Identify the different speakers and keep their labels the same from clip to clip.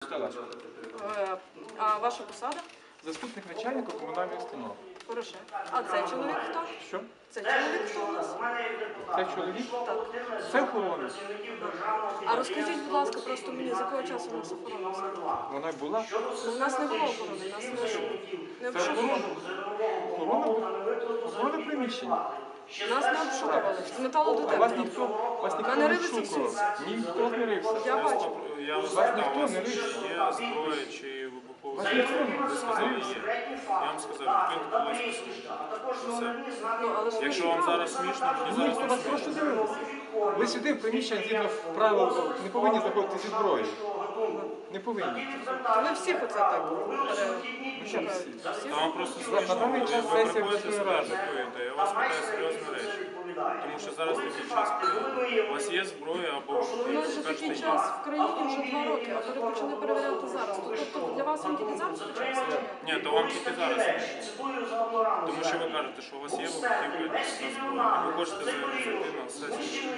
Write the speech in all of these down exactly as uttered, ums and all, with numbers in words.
Speaker 1: Стелашко.
Speaker 2: Е, А ваша посада?
Speaker 1: Заступник начальника комунальної установи.
Speaker 2: Хороше. А цей чоловік хто?
Speaker 1: Що?
Speaker 2: Цей чоловік хто у нас?
Speaker 1: Це чоловік?
Speaker 2: Так.
Speaker 1: Це охорона.
Speaker 2: А розкажіть, будь ласка, просто мені, з якого часу у нас охорона все?
Speaker 1: Вона була.
Speaker 2: Ну, у нас не було охорони, у нас не не
Speaker 1: Це охорона.
Speaker 2: обшукували.
Speaker 1: Охорона, охорона приміщення.
Speaker 2: Нас не обшукували. З
Speaker 1: А вас
Speaker 2: металодетектором.
Speaker 1: ніхто, вас ніхто
Speaker 2: Мене
Speaker 1: не
Speaker 2: ривиться всю.
Speaker 1: шукав. Ніхто не рився.
Speaker 2: Я бачу.
Speaker 3: Я вас
Speaker 1: Вас
Speaker 3: питав,
Speaker 1: ніхто
Speaker 3: у вас
Speaker 1: не
Speaker 3: є
Speaker 1: рився.
Speaker 3: зброя чи вибухова
Speaker 1: Вас
Speaker 3: зброя?
Speaker 1: ніхто не
Speaker 3: Ви сказали, є. Я вам сказав, відкрийте, будь ласка, свій. Все.
Speaker 2: Ну, але ж ви
Speaker 3: Якщо вам зараз смішно, мені
Speaker 1: Ні,
Speaker 3: зараз
Speaker 1: хто
Speaker 3: не
Speaker 1: вас
Speaker 3: смішно.
Speaker 1: просто дивилися. Ви сюди в приміщення згідно правил не повинні заходити зі зброєю. Не повинні.
Speaker 2: То ви всіх оце так
Speaker 1: Ну що всі?
Speaker 3: Та вам просто
Speaker 1: На
Speaker 3: смішно,
Speaker 1: даний час
Speaker 3: ви
Speaker 1: сесія
Speaker 3: приходите
Speaker 1: обласної
Speaker 3: себе
Speaker 1: ради.
Speaker 3: атакуєте. Я вас питаю серйозні речі. Тому що зараз такий час. У вас є зброя або
Speaker 2: У нас же
Speaker 3: ви
Speaker 2: такий
Speaker 3: кажете,
Speaker 2: час
Speaker 3: є.
Speaker 2: в країні вже два роки, а ви почали перевіряти зараз. То, Тобто для вас він тільки зараз почався? чи ні?
Speaker 3: Ні, то вам тільки зараз смішно. Тому що ви кажете, що у вас є вибухівка та зброя. І ви хочете зайти на сесію.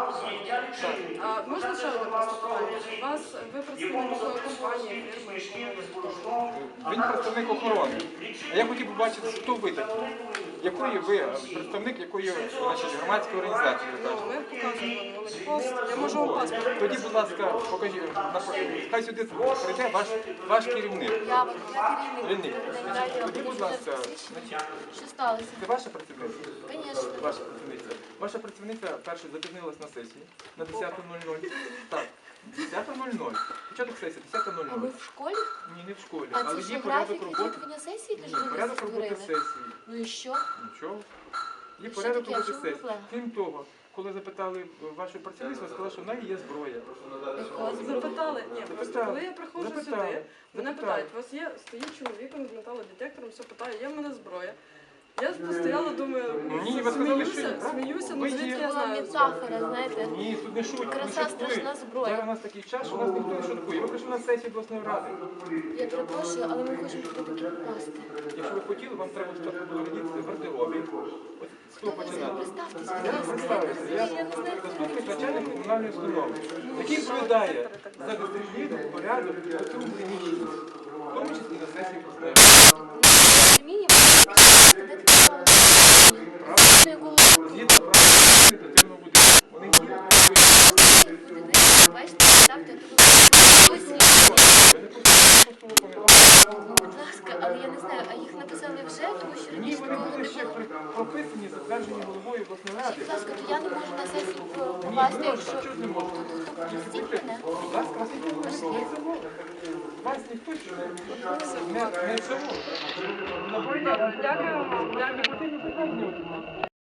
Speaker 2: А можна ще одне просто питання? У вас ви представник якої компанії, фірми?
Speaker 1: Він представник охорони. А я хотів побачити, хто ви такі. Якої ви, представник якої значить, громадської організації, ви кажете?
Speaker 2: Ми показуємо пост. Я можу вам паспорт.
Speaker 1: Тоді, будь ласка, покажіть, на- хай сюди прийде ваш, ваш керівник.
Speaker 4: Я от я
Speaker 1: Керівник.
Speaker 4: керівник. Дайте
Speaker 1: Тоді, будь ласка,
Speaker 4: Що сталося?
Speaker 1: це ваша працівниця?
Speaker 4: Звісно.
Speaker 1: Ваша працівниця. Ваша працівниця перше запізнилась на сесії на десята нуль нуль. Так, десята нуль нуль. Початок сесії десята нуль
Speaker 4: А
Speaker 1: нуль.
Speaker 4: ви в школі?
Speaker 1: Ні, не в школі,
Speaker 4: А
Speaker 1: але
Speaker 4: це що,
Speaker 1: є порядок
Speaker 4: графік
Speaker 1: роботи.
Speaker 4: відвідування сесії,
Speaker 1: Ні,
Speaker 4: де ж ви
Speaker 1: порядок роботи
Speaker 4: створили?
Speaker 1: сесії.
Speaker 4: Ну і що?
Speaker 1: Нічого. Є
Speaker 4: Що
Speaker 1: порядок
Speaker 4: таке?
Speaker 1: роботи
Speaker 4: Що
Speaker 1: сесії.
Speaker 4: проблема?
Speaker 1: Крім того, коли запитали вашу працівницю, вона сказала, що в неї є зброя.
Speaker 4: Якого
Speaker 2: Запитали? Ні, просто
Speaker 1: Запитали.
Speaker 2: коли я приходжу
Speaker 1: Запитали.
Speaker 2: сюди, мене
Speaker 1: Запитали.
Speaker 2: питають, у вас є, стоїть чоловік з металодетектором, все питає, є в мене зброя. Я постояла, думаю,
Speaker 1: Ні, ви сказали, що
Speaker 2: сміюся,
Speaker 1: ні, правда?
Speaker 2: сміюся, ну
Speaker 1: Ви
Speaker 2: звідки
Speaker 1: є.
Speaker 2: я
Speaker 4: Була
Speaker 2: знаю.
Speaker 4: метафора, знаєте.
Speaker 1: Ні, тут не шутять, не
Speaker 4: Краса
Speaker 1: шуткують.
Speaker 4: страшна зброя.
Speaker 1: Зараз у нас такий час, що у нас ніхто не шуткує. Ви прийшли на сесію обласної ради.
Speaker 4: Я перепрошую, але ми хочемо все-таки попасти.
Speaker 1: Якщо ви хотіли, вам треба спочатку повернутися в гардеробі. От з того
Speaker 4: Ви
Speaker 1: починати.
Speaker 4: представтесь,
Speaker 1: Я
Speaker 4: будь ласка.
Speaker 1: представився. Я
Speaker 4: Я не знаю, хто
Speaker 1: заступник
Speaker 4: ви.
Speaker 1: начальника комунальної установи, який відповідає за дисципліну, порядок і оцю приміщення, в тому числі на сесії обласної ради.
Speaker 4: Розуміємо, де таке мало. На якому
Speaker 1: Згідно правил адміністративного будинку. Вони діють.
Speaker 4: подивитися, бачите, ставте тут. Ось ні.
Speaker 1: Ви не просто виконуєте.
Speaker 4: Будь ласка, але я не знаю, а їх написали вже, тому що
Speaker 1: Ні,
Speaker 4: раніше
Speaker 1: вони
Speaker 4: такого
Speaker 1: були
Speaker 4: не
Speaker 1: ще
Speaker 4: було.
Speaker 1: при- прописані, затверджені головою обласної ради.
Speaker 4: Будь ласка, то я не можу на сесію
Speaker 1: Ні,
Speaker 4: попасти,
Speaker 1: не
Speaker 4: якщо...
Speaker 1: можна, чого ж не можна?
Speaker 4: То пропустіть мене.
Speaker 1: Будь ласка, вас ніхто не замовив. Вас ніхто ще не не- не замовив.
Speaker 2: Дякую вам. Дякую.
Speaker 1: Ти не питання.